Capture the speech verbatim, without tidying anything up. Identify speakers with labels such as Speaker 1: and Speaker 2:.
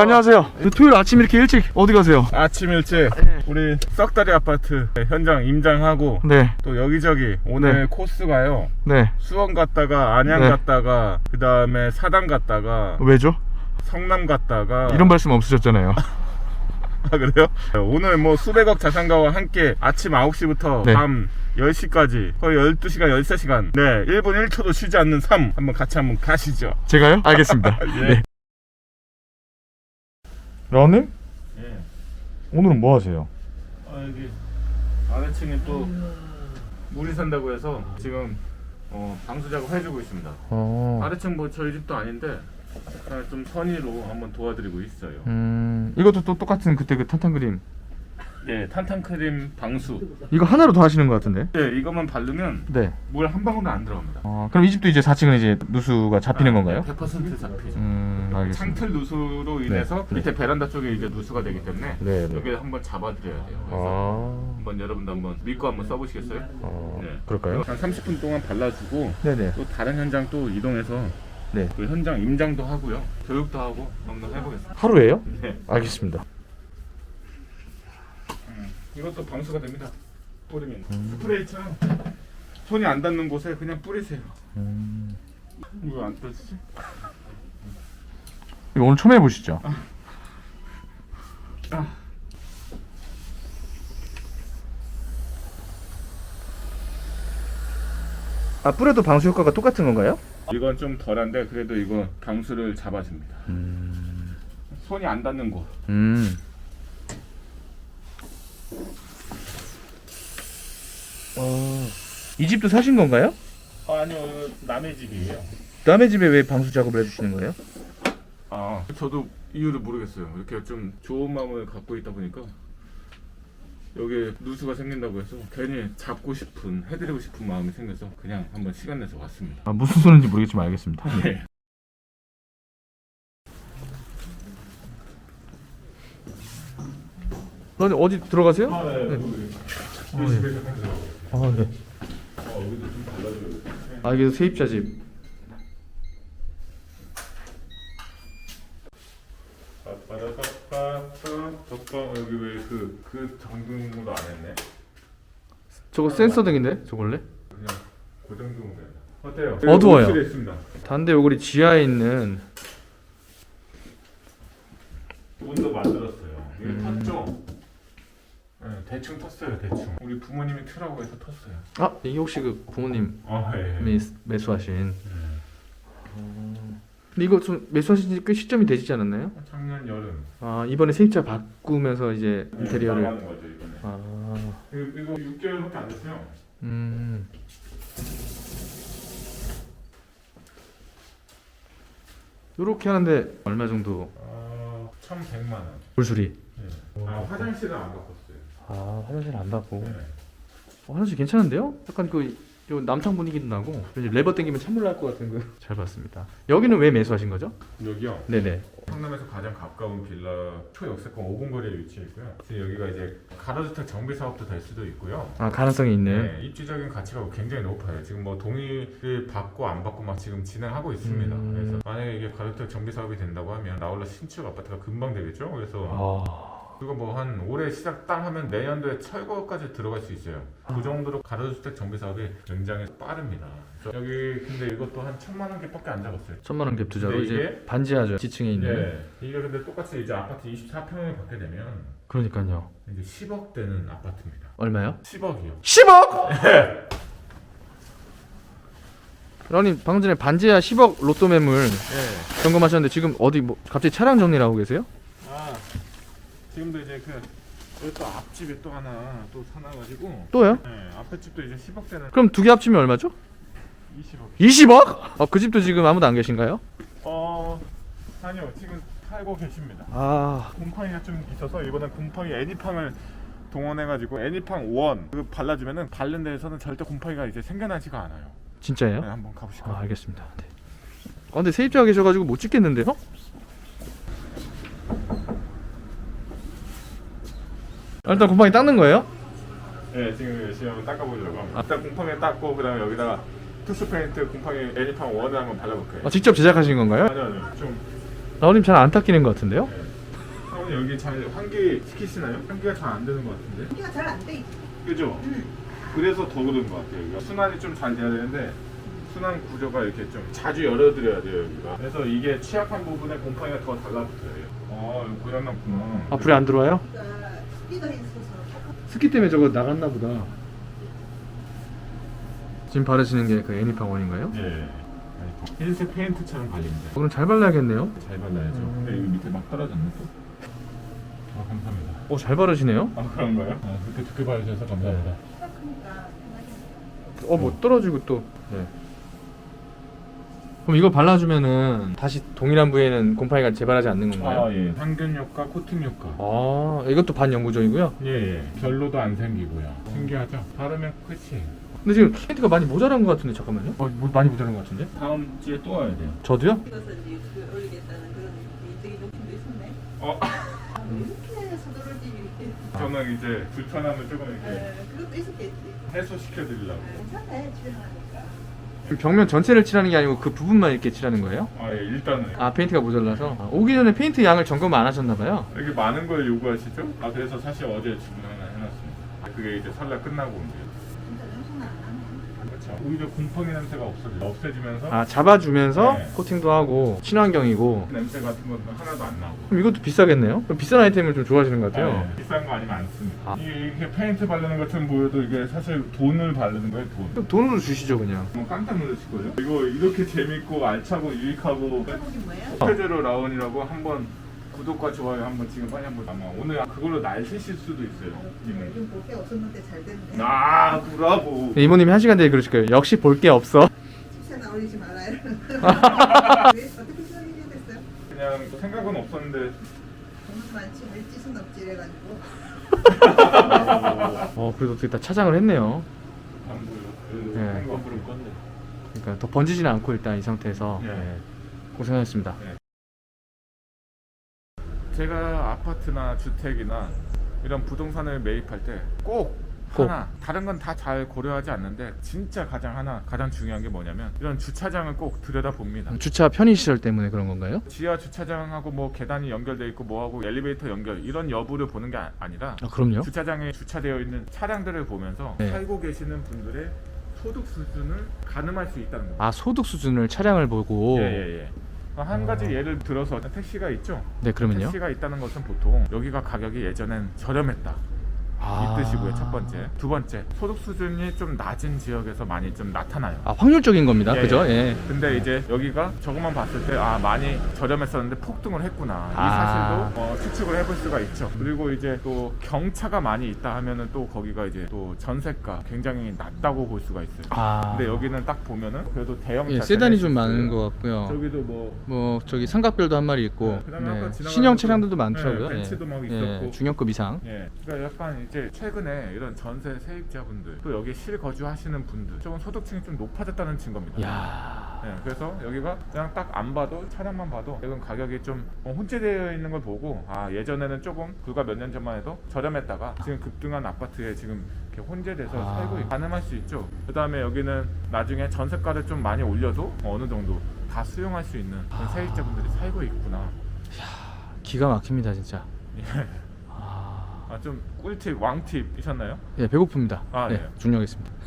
Speaker 1: 안녕하세요. 토요일 아침 이렇게 일찍 어디 가세요?
Speaker 2: 아침 일찍
Speaker 1: 네.
Speaker 2: 우리 썩다리 아파트 현장 임장하고
Speaker 1: 네.
Speaker 2: 또 여기저기 오늘
Speaker 1: 네.
Speaker 2: 코스가요.
Speaker 1: 네.
Speaker 2: 수원 갔다가 안양
Speaker 1: 네.
Speaker 2: 갔다가 그 다음에 사당 갔다가
Speaker 1: 왜죠?
Speaker 2: 성남 갔다가
Speaker 1: 이런 말씀 없으셨잖아요.
Speaker 2: 아 그래요? 오늘 뭐 수백억 자산가와 함께 아침 아홉 시부터
Speaker 1: 네.
Speaker 2: 밤 열 시까지 거의 열두 시간 열세 시간 네 일 분 일 초도 쉬지 않는 삶 한번 같이 한번 가시죠.
Speaker 1: 제가요? 알겠습니다.
Speaker 2: 예.
Speaker 1: 네. 라님?
Speaker 2: 예.
Speaker 1: 오늘은 뭐 하세요?
Speaker 2: 아 여기 아래층에 또 물이 산다고 해서 지금 어, 방수 작업 해주고 있습니다.
Speaker 1: 어.
Speaker 2: 아래층 뭐 저희 집도 아닌데 그냥 좀 선의로 한번 도와드리고 있어요.
Speaker 1: 음. 이것도 또 똑같은 그때 그 탄탄 그림.
Speaker 2: 네, 탄탄크림 방수.
Speaker 1: 이거 하나로 더 하시는 것 같은데?
Speaker 2: 네, 이것만 바르면
Speaker 1: 네.
Speaker 2: 물 한 방울도 안 들어갑니다.
Speaker 1: 어, 그럼 이 집도 이제 사 층은 이제 누수가 잡히는 건가요?
Speaker 2: 백 퍼센트 잡히죠.
Speaker 1: 음, 알겠습니다.
Speaker 2: 창틀 누수로 인해서
Speaker 1: 네.
Speaker 2: 밑에 베란다 쪽에 이제 누수가 되기 때문에
Speaker 1: 네, 네.
Speaker 2: 여기 한번 잡아드려야 돼요. 그래서
Speaker 1: 아.
Speaker 2: 한번 여러분도 한번 믿고 한번 써보시겠어요?
Speaker 1: 어.
Speaker 2: 네.
Speaker 1: 그럴까요?
Speaker 2: 한 삼십 분 동안 발라주고
Speaker 1: 네네.
Speaker 2: 또 다른 현장 또 이동해서
Speaker 1: 네.
Speaker 2: 그 현장 임장도 하고요, 교육도 하고 한번 해보겠습니다.
Speaker 1: 하루에요?
Speaker 2: 네.
Speaker 1: 알겠습니다.
Speaker 2: 이것도 방수가 됩니다. 뿌리면
Speaker 1: 음.
Speaker 2: 스프레이처럼 손이 안 닿는 곳에 그냥 뿌리세요.
Speaker 1: 음.
Speaker 2: 왜 안 떠지지?
Speaker 1: 이거 오늘 처음 해보시죠?
Speaker 2: 아.
Speaker 1: 아, 뿌려도 방수 효과가 똑같은 건가요?
Speaker 2: 이건 좀 덜한데 그래도 이거 방수를 잡아줍니다.
Speaker 1: 음.
Speaker 2: 손이 안 닿는 곳.
Speaker 1: 음. 어. 이 집도 사신 건가요?
Speaker 2: 아, 아니요, 이거 남의 집이에요.
Speaker 1: 남의 집에 왜 방수 작업을 해주시는 거예요?
Speaker 2: 아, 저도 이유를 모르겠어요. 이렇게 좀 좋은 마음을 갖고 있다 보니까 여기에 누수가 생긴다고 해서 괜히 잡고 싶은, 해드리고 싶은 마음이 생겨서 그냥 한번 시간 내서 왔습니다.
Speaker 1: 아, 무슨 소리인지 모르겠지만 알겠습니다.
Speaker 2: 네.
Speaker 1: 너는 어디 들어가세요?
Speaker 2: 아, 네.
Speaker 1: 네.
Speaker 2: 우리 집에서 해드려.
Speaker 1: 아, 네.
Speaker 2: 어, 여기도 좀 발라줘야 돼.
Speaker 1: 아, 이게 세입자 집.
Speaker 2: 덕방 여기 왜 그 그 전등으로 안 했네?
Speaker 1: 저거 센서 등인데? 저거 원래?
Speaker 2: 그냥 고정등으로 해. 어때요?
Speaker 1: 어두워요.
Speaker 2: 욕실에 있습니다.
Speaker 1: 단대 요구리 지하에 있는
Speaker 2: 문도 만들었어요. 이게
Speaker 1: 음.
Speaker 2: 텄죠? 네, 대충 텄어요. 대충. 우리 부모님이 트라고 해서 텄어요.
Speaker 1: 아, 이게 혹시 그 부모님이
Speaker 2: 아 예.
Speaker 1: 매수하신.
Speaker 2: 네.
Speaker 1: 근데 이거 좀 매수하신 지 꽤 시점이 되시지 않았나요?
Speaker 2: 작년 여름.
Speaker 1: 아, 이번에 세입자 바꾸면서 이제
Speaker 2: 네,
Speaker 1: 인테리어를.
Speaker 2: 나가는 거죠 이번에.
Speaker 1: 아,
Speaker 2: 이거, 이거 육 개월밖에 안 됐어요.
Speaker 1: 음. 요렇게 하는데 얼마 정도
Speaker 2: 아, 천백만 원.
Speaker 1: 물수리?
Speaker 2: 네. 아, 화장실은 안 바꿨어요.
Speaker 1: 아, 화장실 안 받고.
Speaker 2: 네.
Speaker 1: 어, 화장실 괜찮은데요? 약간 그 요 남탕 분위기도 나고 왠지 레버 당기면 찬물 날 것 같은 거. 잘 봤습니다. 여기는 왜 매수하신 거죠?
Speaker 2: 여기요.
Speaker 1: 네네.
Speaker 2: 성남에서 가장 가까운 빌라 초역세권 오 분 거리에 위치해 있고요. 그래서 여기가 이제 가로주택 정비 사업도 될 수도 있고요.
Speaker 1: 아, 가능성이 있는.
Speaker 2: 네, 입지적인 가치가 굉장히 높아요. 지금 뭐 동의를 받고 안 받고 막 지금 진행하고 있습니다.
Speaker 1: 음.
Speaker 2: 그래서 만약에 이게 가로주택 정비 사업이 된다고 하면 나홀라 신축 아파트가 금방 되겠죠. 그래서
Speaker 1: 아.
Speaker 2: 그거 뭐 한 올해 시작 땅 하면 내년도에 철거까지 들어갈 수 있어요.
Speaker 1: 아.
Speaker 2: 그 정도로 가로주택 정비 사업이 굉장히 빠릅니다. 그래서 여기 근데 이것도 한 천만 원 개밖에 안 잡았어요.
Speaker 1: 천만 원 갭 투자로
Speaker 2: 근데
Speaker 1: 이제
Speaker 2: 이게-
Speaker 1: 반지하죠. 지층에 있는.
Speaker 2: 네, 이게 근데 똑같이 이제 아파트 이십사 평을 받게 되면
Speaker 1: 그러니까요.
Speaker 2: 이제 십억 되는 아파트입니다.
Speaker 1: 얼마요?
Speaker 2: 십억이요.
Speaker 1: 십억! 라님 방금 전에 반지하 십억 로또 매물
Speaker 2: 네.
Speaker 1: 점검하셨는데 지금 어디 뭐 갑자기 차량 정리를 하고 계세요?
Speaker 2: 아, 지금도 이제 그 여기 또 앞집에 또 하나 또 사놔가지고
Speaker 1: 또요?
Speaker 2: 네, 앞에 집도 이제 십억 되는
Speaker 1: 그럼 두 개 합치면 얼마죠?
Speaker 2: 이십억.
Speaker 1: 이십억? 어, 그 집도 지금 아무도 안 계신가요?
Speaker 2: 어, 아니요, 지금 살고 계십니다.
Speaker 1: 아,
Speaker 2: 곰팡이가 좀 있어서 이번엔 곰팡이 애니팡을 동원해가지고 애니팡 원 그 발라주면은 바른 데에서는 절대 곰팡이가 이제 생겨나지가 않아요.
Speaker 1: 진짜예요?
Speaker 2: 네, 한번 가보실까요?
Speaker 1: 아, 알겠습니다. 네. 아, 근데 세입자가 계셔가지고 못 찍겠는데요? 아, 일단 곰팡이 닦는 거예요?
Speaker 2: 네, 지금 열심히 한번 닦아보려고 합니다. 일단 곰팡이 닦고 그다음에 여기다가 투스 페인트 곰팡이 애니팡 원을 한번 발라볼게요.
Speaker 1: 아, 직접 제작하신 건가요?
Speaker 2: 아니요, 아니요, 좀
Speaker 1: 나우님 잘 안 닦이는 것 같은데요?
Speaker 2: 네. 어머니 여기 잘 환기 시키시나요? 환기가 잘 안 되는 것 같은데.
Speaker 3: 환기가 잘 안 돼.
Speaker 2: 그죠?
Speaker 3: 응.
Speaker 2: 그래서 더 그런 것 같아요. 여기가 순환이 좀 잘 돼야 되는데 순환 구조가 이렇게 좀 자주 열어드려야 돼요 여기가. 그래서 이게 취약한 부분에 곰팡이가 더 달라붙어요. 아 이거 고장났구나.
Speaker 1: 아 불이 안 들어와요?
Speaker 3: 그러니까 스피드가 있어서
Speaker 1: 습기 때문에 저거 나갔나 보다. 지금 바르시는 게 그 애니팡원인가요?
Speaker 2: 예. 흰색 페인트처럼 발립니다.
Speaker 1: 그럼 잘 발라야겠네요.
Speaker 2: 잘 발라야죠. 근데 여기 밑에 막 떨어졌네 또. 아 감사합니다.
Speaker 1: 오, 잘 바르시네요.
Speaker 2: 아 그런가요? 아 그렇게 두께 봐주셔서 감사합니다.
Speaker 3: 키가 크니까 편하게.
Speaker 1: 어, 뭐 떨어지고 또. 네. 그럼 이거 발라주면은 다시 동일한 부위에는 곰팡이가 재발하지 않는 건가요?
Speaker 2: 아 예. 항균 효과, 코팅 효과.
Speaker 1: 아, 이것도 반영구적이고요.
Speaker 2: 예, 예. 별로도 안 생기고요. 신기하죠? 바르면 끝이에요.
Speaker 1: 근데 지금 페인트가 많이 모자란 것 같은데 잠깐만요. 어, 뭐 많이 모자란 것 같은데?
Speaker 2: 다음 주에 또 와야 돼요.
Speaker 1: 저도요?
Speaker 3: 찍어서 이제 유튜브에 올리겠다는 그런 개인적인 욕심도 있었네.
Speaker 2: 어?
Speaker 3: 아, 왜 이렇게 서두르지 이렇게.
Speaker 2: 저는 이제 불편함을 조금 이렇게
Speaker 3: 에, 그것도 있었겠지.
Speaker 2: 해소시켜 드리려고.
Speaker 3: 괜찮네 집에 가니까.
Speaker 1: 그럼 벽면 전체를 칠하는 게 아니고 그 부분만 이렇게 칠하는 거예요?
Speaker 2: 아, 예, 일단은.
Speaker 1: 아, 페인트가 모자라서? 아, 오기 전에 페인트 양을 점검 안 하셨나봐요.
Speaker 2: 이렇게 많은 걸 요구하시죠? 아, 그래서 사실 어제 주문 하나 해놨습니다. 그게 이제 설날 끝나고 온대요.
Speaker 3: 진짜 냄새는 안 나네.
Speaker 2: 그렇죠. 오히려 곰팡이 냄새가 없어져요. 없애지면서
Speaker 1: 아, 잡아주면서
Speaker 2: 네.
Speaker 1: 코팅도 하고 친환경이고.
Speaker 2: 냄새 같은 건 하나도 안 나고.
Speaker 1: 그럼 이것도 비싸겠네요? 그럼 비싼 아이템을 좀 좋아하시는 것 같아요.
Speaker 2: 아, 예. 비싼 거 아니면 안 씁니다.
Speaker 1: 아.
Speaker 2: 이게 이렇게 페인트 바르는 것처럼 보여도 이게 사실 돈을 바르는 거예요, 돈.
Speaker 1: 그럼 돈으로 주시죠 그냥.
Speaker 2: 뭐 깜짝 놀라실 거예요. 이거 이렇게 재밌고 알차고 유익하고
Speaker 3: 제목이 뭐예요?
Speaker 2: 스페제로 라운이라고 한번 구독과 좋아요 한번 지금 빨리 한번 아마 오늘 그걸로 날 새실 수도 있어요. 이모님.
Speaker 3: 요즘 볼 게 없었는데 잘 됐네.
Speaker 2: 아 브라보.
Speaker 1: 이모님이 한 시간 뒤에 그러실 거예요. 역시 볼 게 없어.
Speaker 3: 칩새나 올리지 말아요. 왜 어떻게 생각이 됐어요?
Speaker 2: 그냥 생각은 없었는데
Speaker 3: 돈은 많지 왜 찌순 없지 이래가지고.
Speaker 1: 어, 그래도 어떻게 다 차장을 했네요.
Speaker 2: 안 보여.
Speaker 1: 네.
Speaker 2: 한번 부른 건데.
Speaker 1: 그러니까 더 번지지는 않고 일단 이 상태에서
Speaker 2: 네.
Speaker 1: 네. 고생하셨습니다.
Speaker 2: 제가 아파트나 주택이나 이런 부동산을 매입할 때 꼭
Speaker 1: 꼭.
Speaker 2: 하나 다른 건 다 잘 고려하지 않는데 진짜 가장 하나 가장 중요한 게 뭐냐면 이런 주차장을 꼭 들여다 봅니다.
Speaker 1: 주차 편의 시설 때문에 그런 건가요?
Speaker 2: 지하 주차장하고 뭐 계단이 연결돼 있고 뭐하고 엘리베이터 연결 이런 여부를 보는 게 아- 아니라
Speaker 1: 아, 그럼요.
Speaker 2: 주차장에 주차되어 있는 차량들을 보면서
Speaker 1: 네.
Speaker 2: 살고 계시는 분들의 소득 수준을 가늠할 수 있다는 겁니다.
Speaker 1: 아, 소득 수준을 차량을 보고.
Speaker 2: 예예예. 한 가지
Speaker 1: 어.
Speaker 2: 예를 들어서 택시가 있죠.
Speaker 1: 네, 그러면요.
Speaker 2: 택시가 있다는 것은 보통 여기가 가격이 예전엔 저렴했다.
Speaker 1: 아.
Speaker 2: 이 뜻이고요. 첫 번째. 두 번째. 소득 수준이 좀 낮은 지역에서 많이 좀 나타나요.
Speaker 1: 아, 확률적인 겁니다.
Speaker 2: 예,
Speaker 1: 그죠?
Speaker 2: 예.
Speaker 1: 예.
Speaker 2: 근데 이제 여기가 저것만 봤을 때 아 많이 저렴했었는데 폭등을 했구나 이
Speaker 1: 아.
Speaker 2: 사실도 어, 추측을 해볼 수가 있죠. 그리고 이제 또 경차가 많이 있다 하면은 또 거기가 이제 또 전세가 굉장히 낮다고 볼 수가 있어요.
Speaker 1: 아.
Speaker 2: 근데 여기는 딱 보면은 그래도 대형차
Speaker 1: 예, 세단이 좀
Speaker 2: 제네시스,
Speaker 1: 많은 것 같고요.
Speaker 2: 저기도 뭐
Speaker 1: 뭐 저기 삼각별도 한 마리 있고.
Speaker 2: 네, 그다음에 아까
Speaker 1: 네.
Speaker 2: 지나가는
Speaker 1: 신형
Speaker 2: 것도-
Speaker 1: 차량들도 많더라고요.
Speaker 2: 네, 벤츠도 막
Speaker 1: 예.
Speaker 2: 있었고.
Speaker 1: 예, 중형급 이상.
Speaker 2: 예, 그러니까 약간 이제 최근에 이런 전세 세입자분들 또 여기 실거주하시는 분들 조금 소득층이 좀 높아졌다는 증거입니다.
Speaker 1: 야.
Speaker 2: 예, 그래서 여기가 그냥 딱 안 봐도 차량만 봐도 이건 가격이 좀 어, 혼재되어 있는 걸 보고 아 예전에는 조금 불과 몇 년 전만 해도 저렴했다가 지금 급등한 아파트에 지금 이렇게 혼재돼서
Speaker 1: 아.
Speaker 2: 살고 있- 가늠할 수 있죠. 그 다음에 여기는 나중에 전세가를 좀 많이 올려도 어느 정도 다 수용할 수 있는 그런
Speaker 1: 아.
Speaker 2: 세입자분들이 살고 있구나.
Speaker 1: 기가 막힙니다, 진짜.
Speaker 2: 예.
Speaker 1: 아.
Speaker 2: 아, 좀 꿀팁, 왕팁이셨나요?
Speaker 1: 예, 배고픕니다.
Speaker 2: 아,
Speaker 1: 네,
Speaker 2: 예.
Speaker 1: 중요하겠습니다.